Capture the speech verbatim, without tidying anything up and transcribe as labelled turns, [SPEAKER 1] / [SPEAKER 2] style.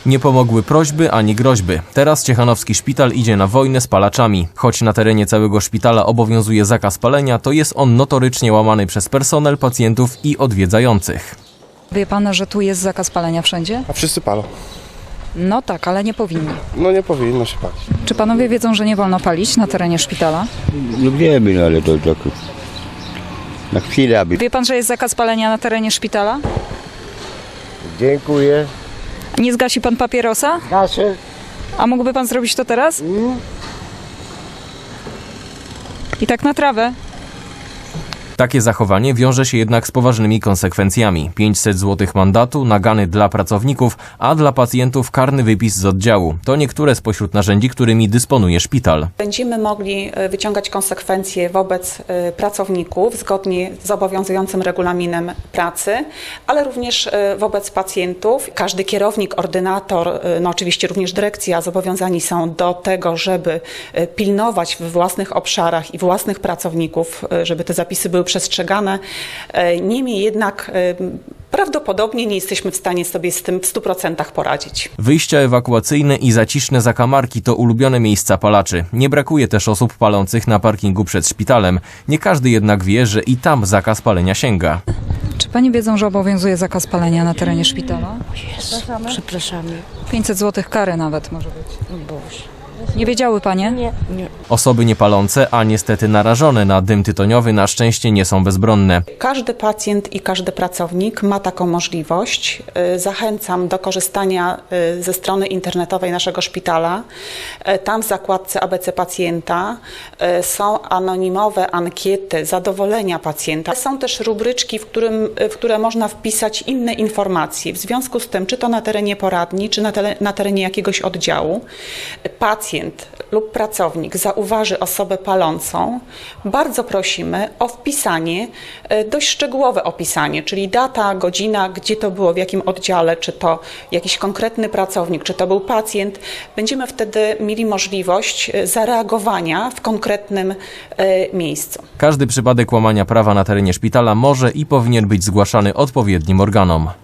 [SPEAKER 1] Nie pomogły prośby ani groźby. Teraz ciechanowski szpital idzie na wojnę z palaczami. Choć na terenie całego szpitala obowiązuje zakaz palenia, to jest on notorycznie łamany przez personel, pacjentów i odwiedzających.
[SPEAKER 2] Wie pan, że tu jest zakaz palenia wszędzie?
[SPEAKER 3] A wszyscy palą.
[SPEAKER 2] No tak, ale nie powinni.
[SPEAKER 3] No nie powinno się palić.
[SPEAKER 2] Czy panowie wiedzą, że nie wolno palić na terenie szpitala?
[SPEAKER 4] No wiemy, no ale to tak na chwilę, aby...
[SPEAKER 2] Wie pan, że jest zakaz palenia na terenie szpitala?
[SPEAKER 5] Dziękuję.
[SPEAKER 2] Nie zgasi pan papierosa?
[SPEAKER 5] Nasze.
[SPEAKER 2] A mógłby pan zrobić to teraz? I tak na trawę.
[SPEAKER 1] Takie zachowanie wiąże się jednak z poważnymi konsekwencjami. pięćset złotych mandatu, nagany dla pracowników, a dla pacjentów karny wypis z oddziału. To niektóre spośród narzędzi, którymi dysponuje szpital.
[SPEAKER 6] Będziemy mogli wyciągać konsekwencje wobec pracowników zgodnie z obowiązującym regulaminem pracy, ale również wobec pacjentów. Każdy kierownik, ordynator, no oczywiście również dyrekcja zobowiązani są do tego, żeby pilnować we własnych obszarach i własnych pracowników, żeby te zapisy były przestrzegane. Niemniej jednak prawdopodobnie nie jesteśmy w stanie sobie z tym w stu procentach poradzić.
[SPEAKER 1] Wyjścia ewakuacyjne i zaciszne zakamarki to ulubione miejsca palaczy. Nie brakuje też osób palących na parkingu przed szpitalem. Nie każdy jednak wie, że i tam zakaz palenia sięga.
[SPEAKER 2] Czy pani wiedzą, że obowiązuje zakaz palenia na terenie szpitala?
[SPEAKER 7] Przepraszamy. Przepraszamy.
[SPEAKER 2] pięćset złotych kary nawet może być.
[SPEAKER 7] Boże.
[SPEAKER 2] Nie wiedziały panie?
[SPEAKER 7] Nie. Nie.
[SPEAKER 1] Osoby niepalące, a niestety narażone na dym tytoniowy na szczęście nie są bezbronne.
[SPEAKER 6] Każdy pacjent i każdy pracownik ma taką możliwość. Zachęcam do korzystania ze strony internetowej naszego szpitala. Tam w zakładce A B C pacjenta są anonimowe ankiety zadowolenia pacjenta. Są też rubryczki, w, którym, w które można wpisać inne informacje. W związku z tym, czy to na terenie poradni, czy na, tele, na terenie jakiegoś oddziału, pacjent lub pracownik zauważy osobę palącą, bardzo prosimy o wpisanie, dość szczegółowe opisanie, czyli data, godzina, gdzie to było, w jakim oddziale, czy to jakiś konkretny pracownik, czy to był pacjent. Będziemy wtedy mieli możliwość zareagowania w konkretnym miejscu.
[SPEAKER 1] Każdy przypadek łamania prawa na terenie szpitala może i powinien być zgłaszany odpowiednim organom.